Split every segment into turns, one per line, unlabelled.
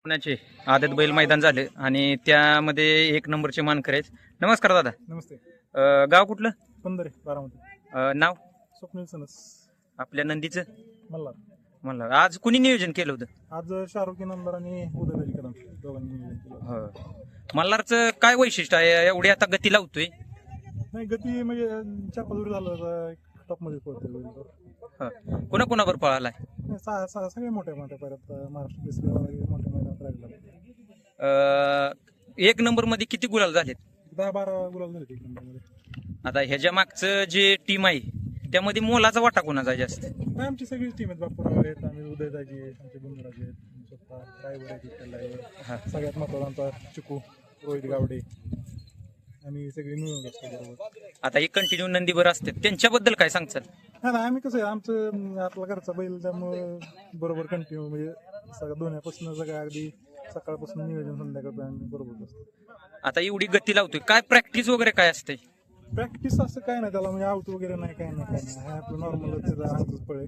पुण्याचे आदत बैल मैदान झाले आणि त्यामध्ये एक नंबरचे मानकरी आहेत. नमस्कार दादा.
नमस्ते.
गाव कुठलं?
पंधरे बारामती.
नाव?
स्वप्नील सनस.
आपल्या नंदीचं
मल्हार.
म्हणलं आज कुणी नियोजन केलं होतं?
आज शाहरुख नंबर आणि उदयराज कदम दोघांनी नियोजन केलं.
हो. मल्हारचं काय वैशिष्ट्य आहे? एवढी आता गती लावतोय.
नाही गती म्हणजे चापादुरी झालं टॉप मध्ये पडते.
कुणाकुणावर पळालाय?
सगळे मोठ्या मोठ्या परत महाराष्ट्र केसरी मोठ्या मैदानात राहिला.
एक नंबर मध्ये किती गुलाल झालेत?
10-12 गुलाब झाले एक नंबर मध्ये.
आता ह्याच्या मागचं जे टीम आहे त्यामध्ये मोलाचा वाटा कोणाचा आहे जास्त?
नाही आमची सगळी टीम आहेत. बापूराव आहेत, आम्ही उदयदाजी आहेत, आमचे गुंडराजे आहेत, स्वतः ड्रायव्हर आहेत, त्याला आहे. सगळ्यात महत्वाचा आमचा चिकू रोहित गावडे आणि सगळी मिळून असतो बरोबर.
आता हे कंटिन्यू नंदीवर असतात त्यांच्याबद्दल काय सांगचाल?
नाही आम्ही कसं आहे आमचं आपला घरचा बैल त्यामुळं बरोबर कंटिन्यू म्हणजे सगळं दोन्हीपासून सगळं अगदी सकाळपासून नियोजन संध्याकाळपर्यंत बरोबर असतं.
आता एवढी गती लावतोय, काय प्रॅक्टिस वगैरे काय असते?
प्रॅक्टिस असं काय नाही त्याला म्हणजे आउट वगैरे नाही काय नाही हा आपलं नॉर्मल त्याचा पळे.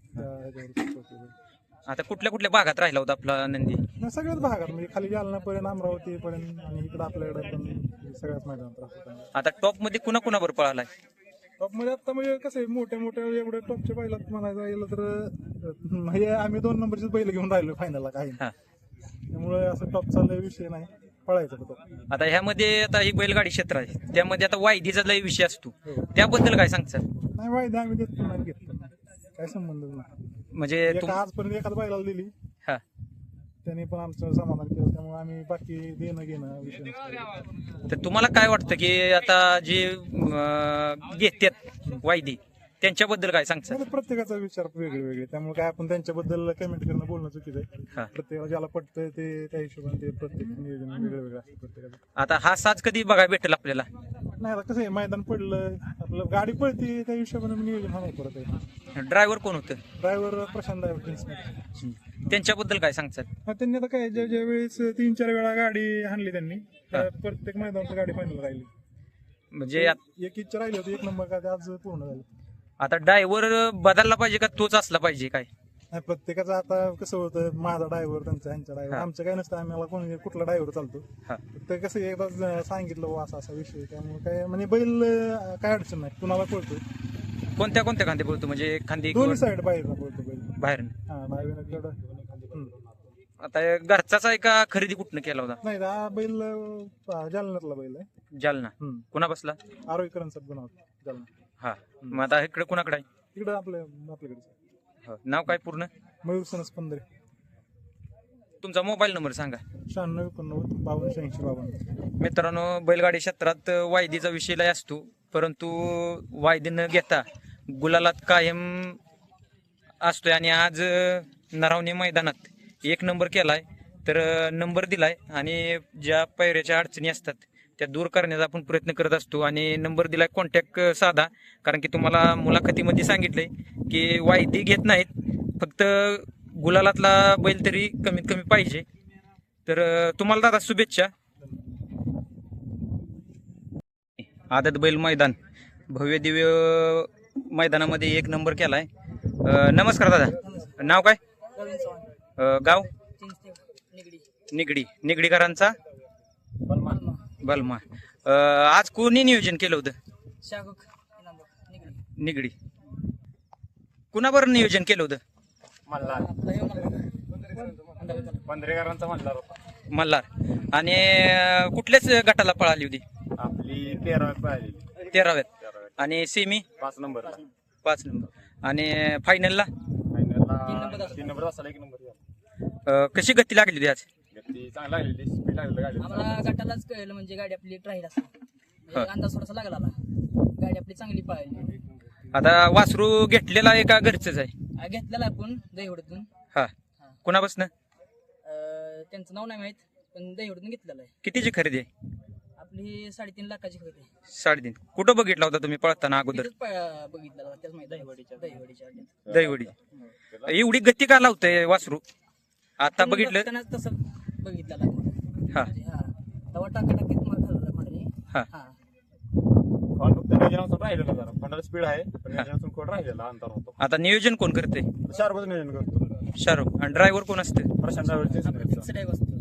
आता कुठल्या कुठल्या भागात राहिला होता आपला नंदी?
नाही सगळ्याच भागात म्हणजे खाली जालनापर्यंत अमरावतीपर्यंत आणि इकडं आपल्याकडे पण सगळ्याच मैदानात राहतो.
आता टॉप मध्ये कुणाकुणावर पळालाय?
टॉप मध्ये आता म्हणजे कसं आहे मोठ्या मोठ्या एवढ्या टॉपच्या बैलात म्हणायचं गेलं तर म्हणजे आम्ही 2 नंबरचीच बैल घेऊन राहिलो फायनलला काही त्यामुळे असं टॉपचा लय विषय नाही पळायचं तो.
आता ह्यामध्ये आता ही बैलगाडी क्षेत्र आहे त्यामध्ये आता वायदीचा लय विषय असतो त्याबद्दल काय सांगचाल?
नाही वायदा आम्ही देत नाही घेतलं काय संबंध नाही.
म्हणजे
आजपर्यंत एखाद बैलाला दिली त्याने पण आमचं समाधान केलं त्यामुळे आम्ही बाकी देणं घेणं विषय नसतो.
तर तुम्हाला काय वाटतं की आता जे घेतात वायदी त्यांच्याबद्दल काय सांगचाल?
प्रत्येकाचा विचार वेगळे वेगळे त्यामुळे काय आपण त्यांच्याबद्दल कमेंट करणं बोलणं चुकीचं आहे. प्रत्येकाला ज्याला पटतंय ते त्या हिशोबाने ते प्रत्येक नियोजन वेगळं वेगळं असतं प्रत्येकाचं.
आता हा साज कधी बघायला भेटेल आपल्याला?
नाही आता कसं आहे मैदान पडलं आपलं गाडी पळते त्या हिशोबाने नियोजन हा नाही परत आहे.
ड्रायव्हर कोण होतं?
Driver Prashant driver.
त्यांच्याबद्दल काय सांगचाल?
त्यांनी आता काय ज्या वेळेस 3-4 वेळा गाडी हाणली त्यांनी प्रत्येक मैदानात गाडी फायनल राहिली.
म्हणजे
एक इच्छा राहिली होती 1 नंबर का आज पूर्ण झालं.
आता ड्रायव्हर बदलला पाहिजे का तोच असला पाहिजे काय?
नाही प्रत्येकाचं आता कसं होतं माझा ड्रायव्हर त्यांचा ह्यांचा ड्रायव्हर आमचं काय नसतं आम्हाला कोणी कुठला ड्रायव्हर चालतो. तर कसं एकदा सांगितलं असा असा विषय त्यामुळे काय म्हणजे बैल काय अडचण नाही कुणाला पळतो.
कोणत्या कोणत्या खांदे बोलतो म्हणजे खांदी
दोन्ही साईड बाहेर पळतो बैल
बाहेर?
हा डायव्हर.
आता घरचाच आहे का खरेदी कुठनं केला होता?
नाही हा बैल जालन्यातला बैल आहे.
जालना. कुणा बसला?
आरोग्यकरांचा गुन्हा जालना.
हा मग आता इकडे कुणाकडे आहे?
इकडं आपल्याकडे.
नाव काय पूर्ण?
मयूर सनस पंधरे.
तुमचा मोबाईल नंबर सांगा.
9689528652.
मित्रांनो बैलगाडी क्षेत्रात वायदीचा विषय लय असतो परंतु वायदी न घेता गुलालात कायम असतोय आणि आज नरावणे मैदानात 1 नंबर केलाय तर नंबर दिलाय आणि ज्या पैऱ्याच्या अडचणी असतात त्या दूर करण्याचा आपण प्रयत्न करत असतो आणि नंबर दिलाय. कॉन्टॅक्ट साधा कारण की तुम्हाला मुलाखतीमध्ये सांगितलंय की वायदी घेत नाहीत फक्त गुलालातला बैल तरी कमीत कमी पाहिजे. तर तुम्हाला दादा शुभेच्छा. आदत बैल मैदान भव्य दिव्य मैदानामध्ये 1 नंबर केलाय. नमस्कार दादा. नाव काय? गाव? निगडी. निगडीकरांचा बलमा. आज कोणी नियोजन केलं होतं? निगडी. कुणाबर नियोजन केलं होतं? मल्हार. आणि कुठल्याच गटाला पळाली होती?
आपली 13व्यात.
13व्यात. आणि सेमी
5 नंबर.
आणि फायनलला
3 नंबर असाला 1 नंबर.
कशी गती लागली होती आज?
गती चांगली लागली. स्पीड लागली गाडी.
आम्हाला गटालाच कळलं म्हणजे गाडी आपली राहील असं अंदाज थोडासा लागला गाडी आपली चांगली पळाली.
आता वासरू घेतलेला आहे का घरचंच आहे?
घेतलेला आपण दहीवडतून.
कुणापासून?
त्यांचं नाव नाही माहित पण दहीवडतून घेतलेलं आहे.
कितीची खरेदी आहे?
आपली 3.5 लाखाची खरेदी आहे.
3.5. कुठं बघितला होता तुम्ही पळताना अगोदर?
बघितलेला त्याच माहिती दहीवडीच्या.
दहीवडी. एवढी गती का लावतंय वासरू? आता बघितलं
तसं बघितलेला. तवा टाकाटाकीत मार खाल्ला कोणाने.
फक्त नियोजनातून राहिलेला जरा फंडाला स्पीड आहे पण नियोजनातून कोण राहिलेला अंतर होतो.
आता नियोजन कोण करते?
शार्पच नियोजन करतो.
शाहरुख. आणि ड्रायव्हर कोण असते?
प्रशांत ड्रायव्हरचे
ड्रायव्हर असतो.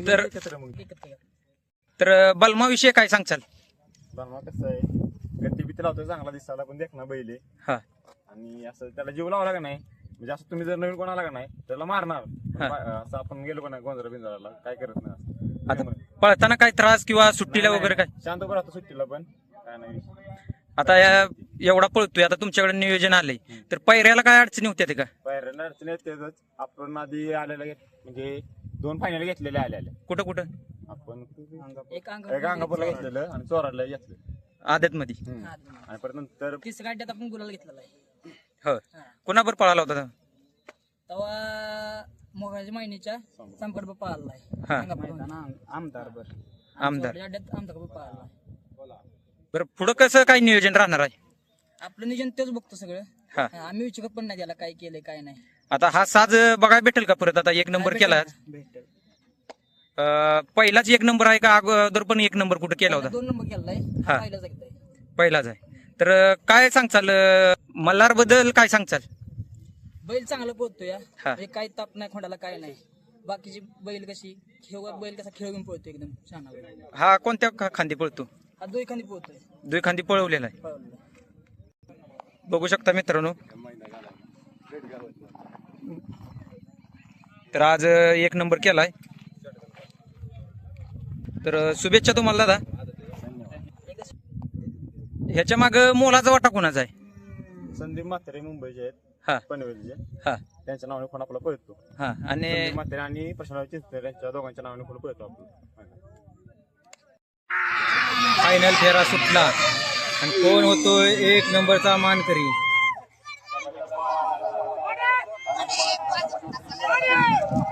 तर
एकत्र मग
एकत्र घ्या.
तर बलमाविषयी काय सांगचाल?
बनवा कसं आहे, गती बिती लावतोय चांगला दिसायला पण देखना बैल आहे.
हा
आणि असं त्याला जीव लावला का नाही, म्हणजे असं तुम्ही जर नवीन कोणाला का नाही त्याला मारणार. असं आपण गेलो का नाही गोंधळा बिंजराला काय करत नाही असं.
आता पळताना काय त्रास किंवा सुट्टीला
नाही,
वगैरे काय?
नाही. शांत उभं राहतो सुट्टीला पण काय नाही.
आता एवढा पळतोय, आता तुमच्याकडे नियोजन आलंय, तर पैऱ्याला काय अडचणी होत्या ते का?
बाहेर अडचण येतेच. आपण आधी आलेला म्हणजे 2 फायनल घेतलेले आलेले
कुठं कुठं?
आपण
एक अंग
एक अंगापूरला घेतलेलं आणि चोराला घेतलं.
आदत मध्ये?
आणि परत नंतर
तिसऱ्या अड्ड्यात आपण गुलाल घेतलेला आहे.
हो. कोणाबर पळाला होता तो?
तेव्हा मोगाच्या महिन्याच्या संपर्क पाळला
हा.
आहे.
आमदार बर
आमदार.
अड्ड्यात आमचा पाळला आहे.
बरं पुढं कसं काय नियोजन राहणार आहे?
आपलं नियोजन तेच बघतो सगळं.
हा.
आम्ही विचारत पण नाही त्याला काय केलंय काय नाही.
आता हा साज बघायला भेटेल का परत? आता एक नंबर केला,
भेटेल.
पहिलाच एक नंबर आहे का अगोदर पण एक नंबर कुठं केला होता?
2 नंबर केलाय.
हा.
पहिलाच एकदा आहे.
पहिलाच आहे. तर काय सांगचाल मल्हार बद्दल काय सांगचाल?
बैल चांगला पळतो या.
हा.
म्हणजे काही ताप नाही खोंडाला काय नाही. बाकीची बैल कशी बैल कसा खेळून पळतो एकदम छान बैल.
हा कोणत्या खांदी पळतो?
हा 2 खांदी पळतोय.
दुई खांदी पळवलेला आहे.
पळवलेला.
बघू शकता मित्रांनो. तर आज एक नंबर केलाय. तर शुभेच्छा तुम्हाला दादा. ह्याच्या माग मोलाचा वाटा कोणाचा आहे?
संदीप म्हात्रे मुंबईचे आहेत,
हा
पनवेलचे.
हा
त्यांच्या नावाने फोन आपला पळतो.
हा. आणि
संदीप म्हात्रे आणि प्रशांत चिंचकर यांच्या दोघांच्या नावाने फोन पळतो आपण.
फायनल फेरा सुटला आणि कोण होतोय एक नंबरचा मानकरी?